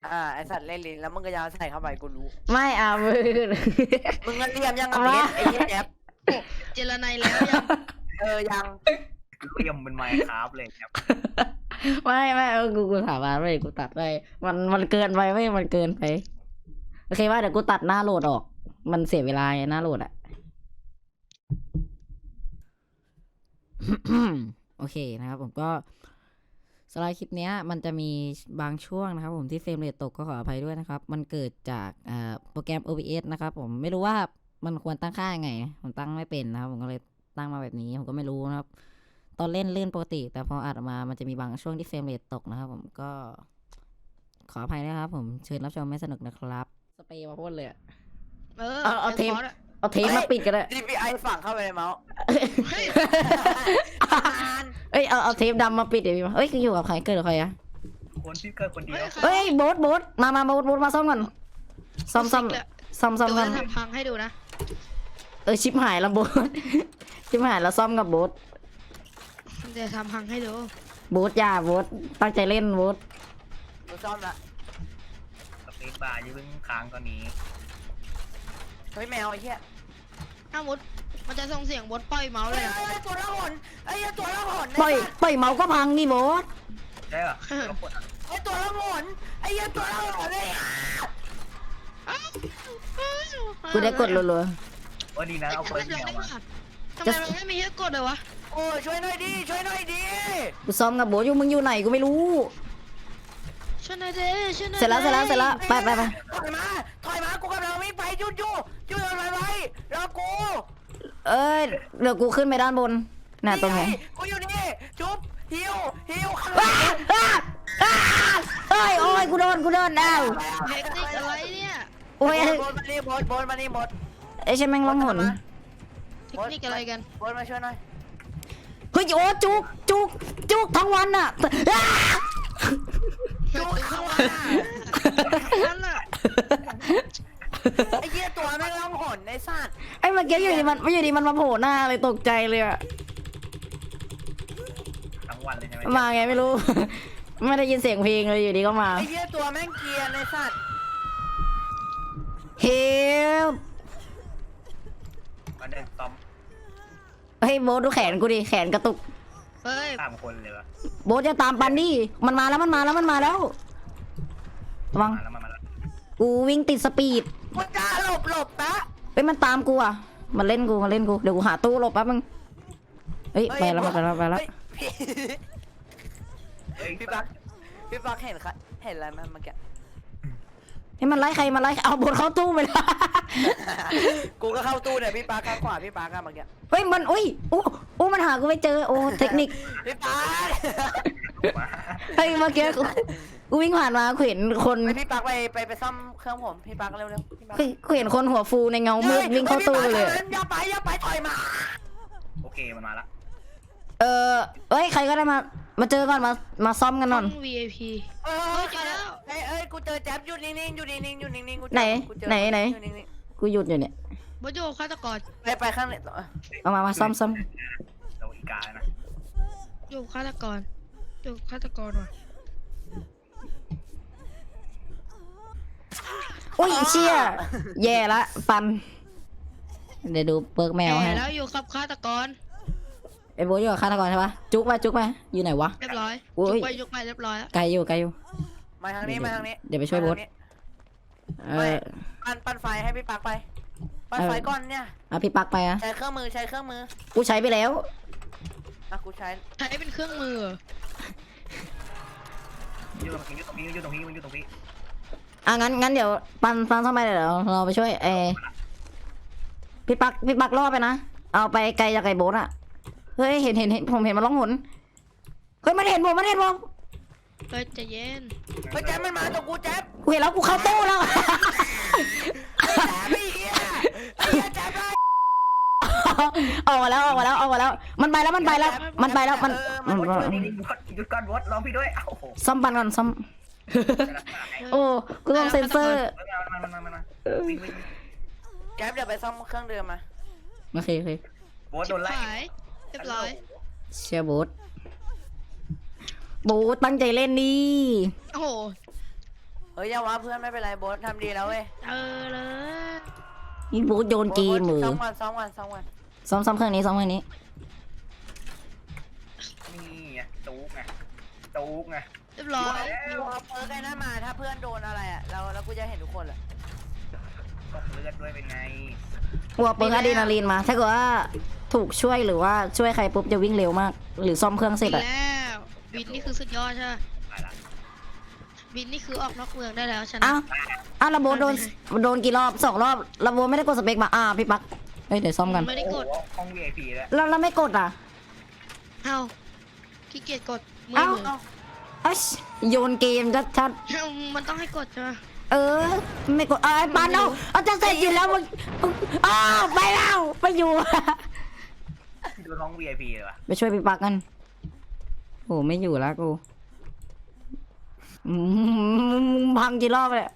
ไอสัตว์เล่นลิ้นแล้วมึงก็ยาวใส่เข้าไปกูรู้ไม่เอามือมึงเงินเรียมยังอ่ะเพชรไอ้เหี้ยแจ๊บเจรไนแล้วยังยังเรียมเป็นไมค์ครับเลยครับไม่กูถามมาไม่กูตัดไปมันเกินไปไม่มันเกินไปโอเคว่าเดี๋ยวกูตัดหน้าโหลดออก มันเสียเวลาไงหน้าโหลดอะ โอเคนะครับผมก็สไลด์คลิปเนี้ยมันจะมีบางช่วงนะครับผมที่เฟรมเรทตกก็ขออภัยด้วยนะครับมันเกิดจากโปรแกรม OBS นะครับผมไม่รู้ว่ามันควรตั้งค่ายังไงผมตั้งไม่เป็นนะครับผมก็เลยตั้งมาแบบนี้ผมก็ไม่รู้นะครับตอนเล่นลื่นปกติแต่พออัดออกมามันจะมีบางช่วงที่เฟรมเรทตกนะครับผมก็ขออภัยนะครับผมเชิญรับชมไม่สนุกนะครับสเปรย์มาพ่นเลยเอาเทปมาปิดกันเลย DPI ฝังเข้าไปในเมาส์เอ้ยเอาเทปดำมาปิดเดี๋ยวพี่มาเอ้ยอยู่กับใครเกิดกับใครอะคนที่เกิดคนเดียวเฮ้ยโบ๊ทมาโบ๊ทมาซ่อมก่อนซ่อมกัเดี๋ยวนจะทำพังให้ดูนะชิบหายแล้วโบ๊ท ชิบหายแล้วซ่อมกับโบ๊ทเดี๋ยวทำพังให้ดูโบ๊ทอย่าโบ๊ทตั้งใจเล่นโบ๊ทกูซ่อมละสเปซบาร์ยืนค้างตอนนี้เฮ้ยแมวไอ้เหี้ยถ้ามุดมันจะส่งเสียงบดปล่อยเมาส์เลยนะตัวละหนไอ้เหี้ยตัวละหนปล่อยเมาส์ก็พังนี่โบ๊ทใช่เหรอเรากดไอ้ตัวละหนไอ้เหี้ยตัวละหนเลยกูได้กดรัวว่าดีนะเอาเปิดแมวมาทำไมมันไม่มีให้กดเลยวะโอ้ช่วยหน่อยดิๆกูซ่อมกับโบ๊ทอยู่มึงอยู่ไหนกูไม่รู้ช่วยหน่อยเด้ช่วยหน่อยเสร็จแล้วไปถอยมากูกำลังวิ่งไปหยุดไว้รอกูเอ้ยเดี๋ยวกูขึ้นไปด้านบนน่ะตรงไหนกูอยู่นี่จุ๊บฮิวข้างหอ้าลังอ้าอ้าโอ้ยกูโดนอ้าวเทคนิคอะไรเนี่ยโอ้ยบนมานี่บดไอ้ใช่แม่งร้องหนเทคนิคอะไรกันบดมาช่วยหน่อยเฮ้ยโอ้จุกทั้งวันอ่ะอ้าจุ๊บข้างหลังนั่นแหละไอ้เหี้ยตัวแม่งร้องหนไอ้สัตว์ไอ้เมื่อกี้อยู่ดีมันมาโผล่หน้าเลยตกใจเลยอะทั้งวันเลยใช่ไหมมาไงไม่รู้ ไม่ได้ยินเสียงเพลงเลยอยู่ดีก็มาไอ้เหี้ยตัวแม่งเกรียร์ไอ้สัตว์เฮลมันเดินตอมเฮ้ยโบ๊ทดูแขนกูดิแขนกระตุกเฮ้ย 3 คนเลยวะโบ๊ทจะตามปันดิมันมาแล้วระวังมาแล้วมาแล้วกูวิ่งติดสปีดกูจะหลบนะเฮ้ยมันตามกูอ่ะมันเล่นกูเดี๋ยวกูหาตู้หลบแป๊บมึงเฮ้ยไปแล้วพี่ปักเห็นอะไรไหมเมื่อกี้ให้มันไล่ใครเอาโบ๊ทเข้าตู้ไปแล้วกูก็เข้าตู้เนี่ยพี่ปักข้างขวาพี่ปักอะเมื่อกี้เฮ้ยมันอุ้ยอู้มันหากูไม่เจอโอ้เทคนิคพี่ปักเฮ้ยเมื่อกี้กูวิ่งผ่านมากูเห็นคนพี่ปักไปซ่อมเครื่องผมพี่ปักเร็วพี่ปักกูเห็นคนหัวฟูในเงามืดวิ่งเข้าตู้เลยอย่าไปถอยมาโอเคมันมาละเอ้ยใครก็ได้มาเจอก่อนมาซ่อมกันหน่อยห้อง VIP เอ้ยกูเจอแจ๊บอยู่นิ่งๆกูไหนกูหยุดอยู่เนี่ยบดโยฆาตกรไปข้างไหนเอามาซ่อมเราอีกานะโยฆาตกรว่ะอุ้ยเชี่ยแย่ละปันเดี๋ยวดูเปิร์กแมวให้แล้วอยู่กับฆาตกรไอ้โบ๊ทอยู่กับฆาตกรใช่ปะจุกไปอยู่ไหนวะเรียบร้อยโอ้ยยกไปเรียบร้อยแล้วไกลอยู่มาทางนี้เดี๋ยวไปช่วยโบ๊ทปั่นไฟให้พี่ปักไปปั่นไฟก่อนเนี่ยเอาพี่ปักไปอะใช้เครื่องมือกูใช้ไปแล้วกูใช้ใช้เป็นเครื่องมืออยู่ตรงนี้งั้นเดี๋ยวปันซ่อมไปเดี๋ยวเราไปช่วยพี่ปักล่อไปนะเอาไปไกลจากไก่โบ๊ทอะเฮ้ยเห็นผมเห็นมันร้องหนเฮ้ยมันเห็นผมเฮ้ยใจเย็นเฮ้ยแจ๊บมันมาตัวกูแจ๊บกูเห็นแล้วกูเข้าตู้แล้วไอ้เหี้ยแจ๊บออกมาแล้วมันไปแล้วมันหยุดก่อนวอดรอพี่ด้วยโอ้โหซ่อมปันก่อนซ่อมโอ้กูต้องเซ็นเซอร์มาวิ่งแจ๊บเดี๋ยวไปซ่อมเครื่องเดิมมาโอเคโบ๊ทโดนไล่ขายเรียบร้อยเชียร์โบ๊ทตั้งใจเล่นดิโอ้โหเฮ้ยอย่าว่าเพื่อนไม่เป็นไรโบ๊ททำดีแล้วเว้ยเลยนี่บูธโยนเกมมือซ้อมวันซ้อมวันซ้อมวันซ้อมเครื่องนี้ซ้อมเครื่องนี้นี่ไงจู๊กไงจู๊กไงเรียบร้อยกูเอาเพิร์กไอ้นั่นมาถ้าเพื่อนโดนอะไรอ่ะแล้วกูจะเห็นทุกคนแหละตกเลือดด้วยเป็นไงวัวเปิงอะดรีนาลีนมา ถ้าเกิดว่าถูกช่วยหรือว่าช่วยใครปุ๊บจะวิ่งเร็วมาก หรือซ่อมเครื่องเสร็จอะแล้วบินนี่คือสุดยอดใช่ไหมไปละบินนี่คือออกนอกเมืองได้แล้วชนะอ้าวระโบโดนกี่รอบ2 รอบระโบไม่ได้กดสเปคมาพี่ปักเอ้ยเดี๋ยวซ่อมกันไม่ได้กดโอ้โหห้อง VIP แล้วแล้วไม่กดอ่ะเอ้าขี้เกียจกดมือเอ้ามืออัชโยนเกมชัดมันต้องให้กดใช่ไหมไม่กดไอ้ปานเอาจะเสร็จอยู่แล้วมึงไปแล้วไปอยู่ดูห้อง VIP เลยวะไปช่วยพี่ปักกันโอ้ไม่อยู่แล้วกูพังกี่รอบเลย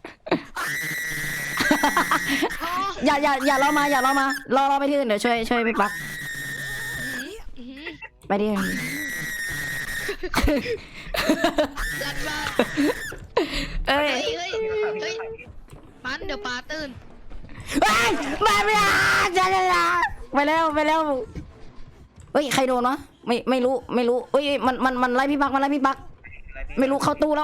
อย่ารอมารอไปที่อื่นเดี๋ยวช่วยพี่ปักไปดิลัดบ้านเอ้ยเฮ้ยมันเดี๋ยวปลาตื่นมาไม่ได้ไปแล้วเฮ้ยใครโดนวะไม่รู้เฮ้ยมันไล่พี่ปักไม่รู้เข้าตู้แล้ว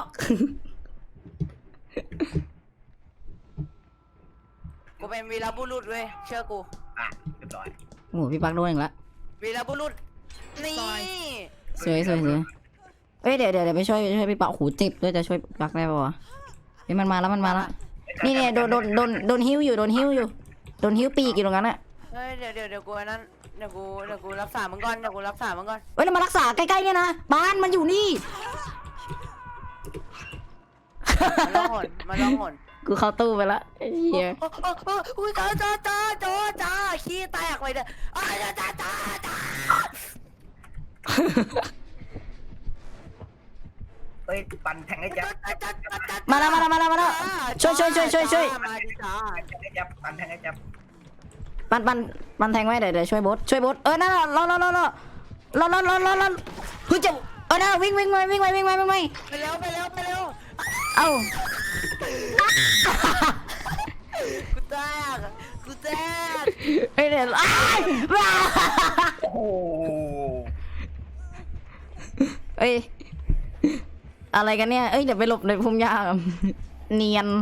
กูเป็นวีรบุรุษเว้ยเชื่อกูอ่ะเรียบร้อยโอ้พี่ปักโดนอีกแล้ววีรบุรุษนี่สวยเอ้ยเดี๋ยวไปช่วยพี่ปักหูเจ็บด้วยจะช่วยพี่ปักได้ปะวะเฮ้ยมันมาแล้วนี่โดนหิ้วอยู่โดนหิ้วปีกอยู่ตรงนั้นอะเฮ้ยเดี๋ยวกูอันนั้นเดี๋ยวกูรักษามึงก่อนเดี๋ยวกูรักษามึงก่อนเฮ้ยเรามารักษาใกล้ๆเนี่ยนะบ้านมันอยู่นี่มันร้องหนกูเข้าตู้ไปละไอ้เหี้ยอุ้ยจ้าขี้แตกไปเลยจ้าเอ้ยปั่นแทงให้ยับมาแล้วช่วยมาดิจ้าแทงให้ยับปั่นแทงให้ยับปันแทงไว้เดี๋ยวช่วยบดนั่นรอเฮ้ยจะนั่นวิ่งไปไปเร็วเอ้ากูแตกเฮ้ยเดี๋ยวว้าโอ้โหเอ้ยอะไรกันเนี่ยเอ้ยเดี๋ยวไปหลบในพุ่มหญ้าเนียน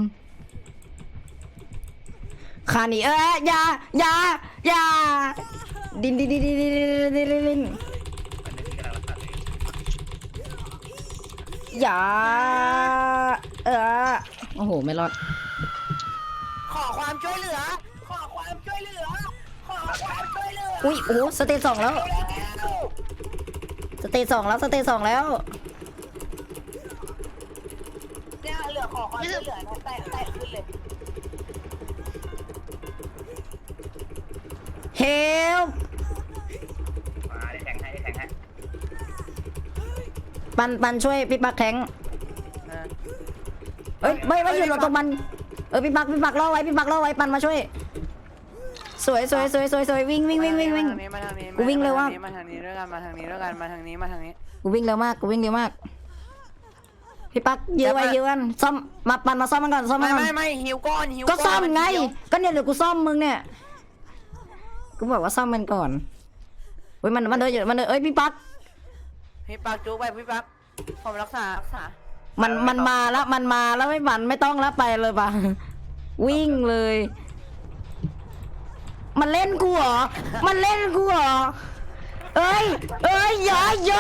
ขาหนีอย่าดินมันนึกที่กำลังรักษาตัวเองอย่าโอ้โหไม่รอดขอความช่วยเหลืออุ้ยโอ้สเตจ 2แล้วสเตจ 2แล้วเนี่ยเหลือขอความช่วยเหลือนะแตะขึ้นเลยเฮลมาได้แทงให้ปันช่วยพี่ปักแทงเอ้ยไม่อยู่ตรงมันพี่ปักล่อไว้ปันมาช่วยสวยวิ่งกูวิ่งเร็วมากมาทางนี้ด้วยกันมาทางนี้กูวิ่งเร็วมากพี่ปักยื้อไว้ซ่อมมาปันมาซ่อมมันก่อนไม่หิวก้อนก็ซ่อมไงก็เนี่ยเดี๋ยวกูซ่อมมึงเนี่ยกูบอกว่าซ่อมมันก่อนเฮ้ยมันเดินเอ้ยพี่ปักจูไปพี่ปักผมรักษามันมาแล้วไม่ต้องแล้วไปเลยปะวิ่งเลยมันเล่นกูเหรอเอ้ยอย่า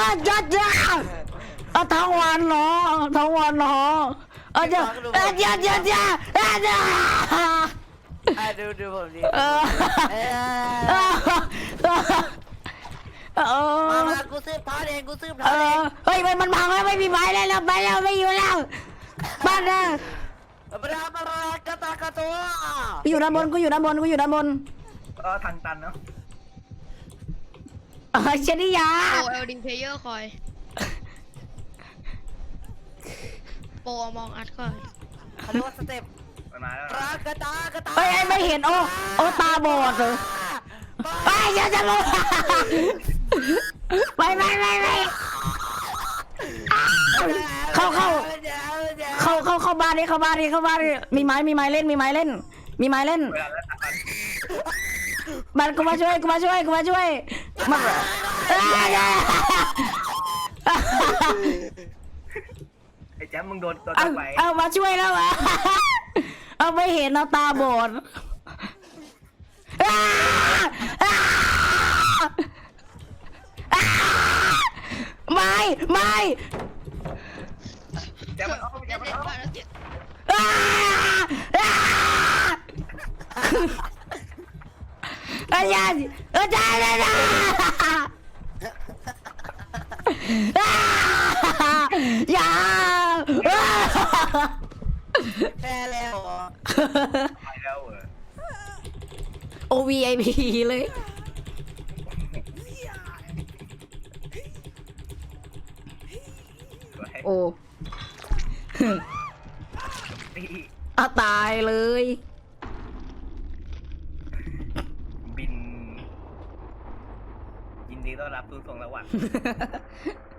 ทั้งวันเหรออย่าดูผมดิมากูซื้อพาเองเฮ้ยมันพังแล้วไม่มีไม้แล้วไปแล้วไม่อยู่แล้วบ้านนะกระตากระตัวกูอยู่ด้านบนทางตันเนาะเชนิยาโปรเอลดิงเพลเยอร์คอยโปรมองอัดก่อนเขาเรียกว่าสเต็ปมันมาแล้วกระตาเฮ้ยไม่เห็นโอ้ตาบอดเลยไปอย่าจะลงไปเข้าเข้าบ้านดิเข้าบ้านดิเข้าบ้านดิมีไม้เล่นมีไม้เล่นเวลาแล้วตัดกันมันกูมาช่วยมาไอ้แจ๊มมึงโดนตัวเอาไปเอามาช่วยแล้ววะเอาไม่เห็นเอาตาบอดไม่แจ๊มมันเอาแจ๊มมันเอาอาจารย์อย่าแพ้แล้วเหรอไปแล้วเหรอโอ VIP เลยสวยโอ้เอาตายเลยบินยินดีต้อนรับสู่สวงสวรรค์